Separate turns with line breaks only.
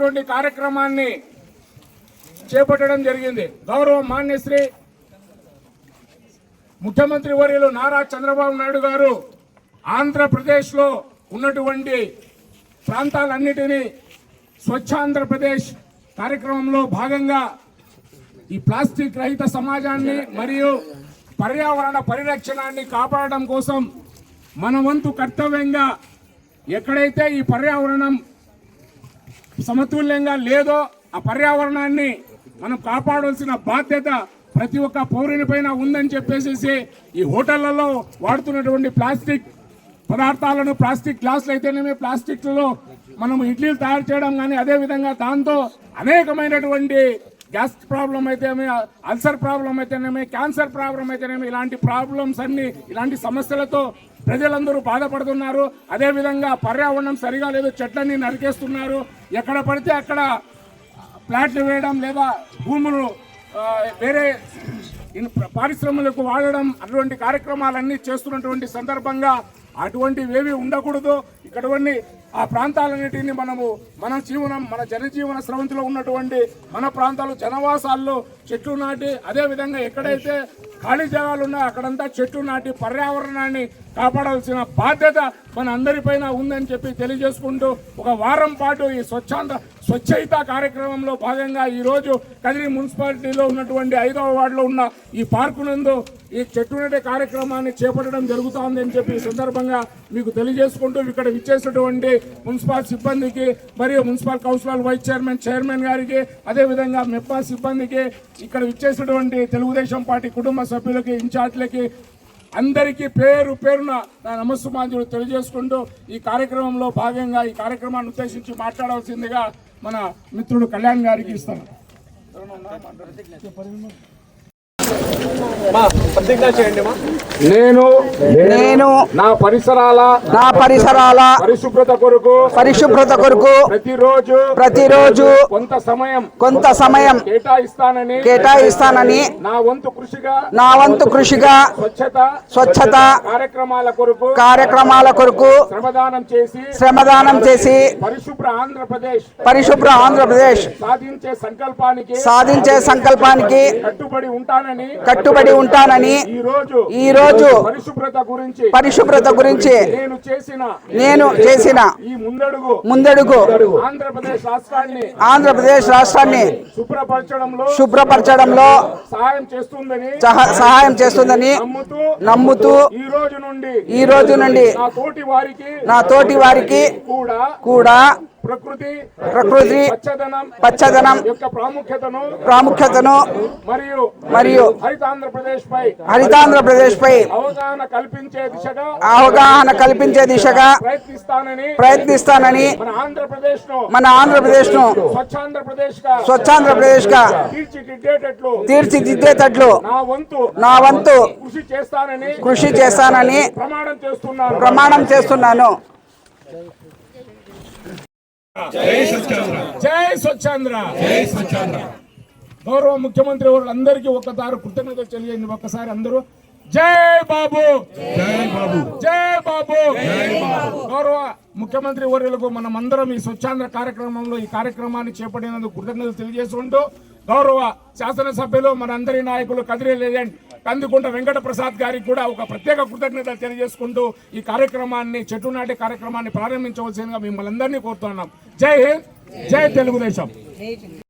అనేటటువంటి కార్యక్రమాన్ని చేపట్టడం జరిగింది. గౌరవ మాన్యశ్రీ ముఖ్యమంత్రి వర్యులు నారా చంద్రబాబు నాయుడు గారు ఆంధ్రప్రదేశ్లో ఉన్నటువంటి ప్రాంతాలన్నిటినీ స్వచ్ఛాంధ్రప్రదేశ్ కార్యక్రమంలో భాగంగా ఈ ప్లాస్టిక్ రహిత సమాజాన్ని మరియు పర్యావరణ పరిరక్షణాన్ని కాపాడడం కోసం మన వంతు కర్తవ్యంగా ఎక్కడైతే ఈ పర్యావరణం సమతుల్యంగా లేదో ఆ పర్యావరణాన్ని మనం కాపాడాల్సిన బాధ్యత ప్రతి ఒక్క పౌరుని పైన ఉందని చెప్పేసి ఈ హోటళ్లలో వాడుతున్నటువంటి ప్లాస్టిక్ పదార్థాలను, ప్లాస్టిక్ గ్లాసులు అయితేనేమి, ప్లాస్టిక్లలో మనం ఇడ్లీలు తయారు చేయడం కానీ, అదేవిధంగా దాంతో అనేకమైనటువంటి గ్యాస్ ప్రాబ్లం అయితేనేమి, అల్సర్ ప్రాబ్లం అయితేనేమి, క్యాన్సర్ ప్రాబ్లం అయితేనేమి, ఇలాంటి ప్రాబ్లమ్స్ అన్ని, ఇలాంటి సమస్యలతో ప్రజలందరూ బాధపడుతున్నారు. అదేవిధంగా పర్యావరణం సరిగా లేదు, చెట్లన్నీ నరికేస్తున్నారు. ఎక్కడ పడితే అక్కడ ప్లాట్లు వేయడం లేదా భూములు వేరే పారిశ్రమలకు వాడడం, అటువంటి కార్యక్రమాలన్నీ చేస్తున్నటువంటి సందర్భంగా అటువంటివేవి ఉండకూడదు. ఇక్కడవన్నీ ఆ ప్రాంతాలన్నిటిని మన జనజీవన స్రవంతిలో ఉన్నటువంటి మన ప్రాంతాలు జనవాసాల్లో చెట్లు నాటి, అదేవిధంగా ఎక్కడైతే ఖాళీ జాగాలు ఉన్నాయో అక్కడంతా చెట్లు నాటి పర్యావరణాన్ని కాపాడాల్సిన బాధ్యత మన అందరిపైన ఉందని చెప్పి తెలియజేసుకుంటూ ఒక వారం పాటు ఈ స్వచ్ఛత కార్యక్రమంలో భాగంగా ఈరోజు కదిరి మున్సిపాలిటీలో ఉన్నటువంటి 5వ వార్డులో ఉన్న ఈ పార్కు నందు ఈ చెట్టు నాటే కార్యక్రమాన్ని చేపట్టడం జరుగుతోంది అని చెప్పి ఈ సందర్భంగా మీకు తెలియజేసుకుంటూ ఇక్కడ విచ్చేసినటువంటి మున్సిపల్ సిబ్బందికి మరియు మున్సిపల్ కౌన్సిలర్ వైస్ చైర్మన్ గారికి, అదేవిధంగా మెప్పా సిబ్బందికి, ఇక్కడ విచ్చేసినటువంటి తెలుగుదేశం పార్టీ కుటుంబ సభ్యులకి, ఇన్ఛార్జ్లకి అందరికీ పేరు పేరున నా నమస్సుమాంజులు తెలియజేసుకుంటూ ఈ కార్యక్రమంలో భాగంగా ఈ కార్యక్రమాన్ని ఉద్దేశించి మాట్లాడవలసిందిగా మన మిత్రుడు కళ్యాణ్ గారికి ఇస్తాను.
నేను నా పరిసరాల పరిశుభ్రత కొరకు ప్రతిరోజు కొంత సమయం కేటాయిస్తానని నా వంతు కృషిగా స్వచ్ఛత కార్యక్రమాల కొరకు శ్రమదానం చేసి పరిశుభ్ర ఆంధ్రప్రదేశ్ సాధించే సంకల్పానికి కట్టుబడి ఉంటానని ఈ రోజు పరిశుభ్రత గురించి నేను చేసిన ముందడుగు ఆంధ్రప్రదేశ్ రాష్ట్రాన్ని శుభ్రపరచడంలో సహాయం చేస్తుందని నమ్ముతూ ఈ రోజు నుండి నా తోటి వారికి కూడా ప్రకృతి పచ్చదనం యొక్క ప్రాముఖ్యతను మరియు హరితాంధ్రప్రదేశ్ పై అవగాహన కల్పించే దిశగా ప్రయత్నిస్తానని మన ఆంధ్రప్రదేశ్ ను స్వచ్ఛాంధ్రప్రదేశ్ గా తీర్చిదిద్దేటట్లు నా వంతు కృషి చేస్తానని ప్రమాణం చేస్తున్నాను.
జై స్వచ్ఛాంధ్ర. గౌరవ ముఖ్యమంత్రి వాళ్ళందరికీ ఒక్కసారి కృతజ్ఞతలు తెలియండి. ఒక్కసారి అందరూ జై బాబు, జై బాబు. గౌరవ ముఖ్యమంత్రి వర్యులకు మనమందరం ఈ స్వచ్ఛాంధ్ర కార్యక్రమంలో ఈ కార్యక్రమాన్ని చేపట్టినందుకు కృతజ్ఞతలు తెలియజేసుకుంటూ గౌరవ శాసనసభ్యులు మనందరి నాయకులు కదిరి లెజెండ్ కందికుంట వెంకట ప్రసాద్ గారికి కూడా ఒక ప్రత్యేక కృతజ్ఞతలు తెలియజేసుకుంటూ ఈ కార్యక్రమాన్ని చెట్టు నాటే కార్యక్రమాన్ని ప్రారంభించవలసిందిగా మిమ్మల్ని అందరినీ కోరుతున్నాం. జై హింద్, జై తెలుగుదేశం.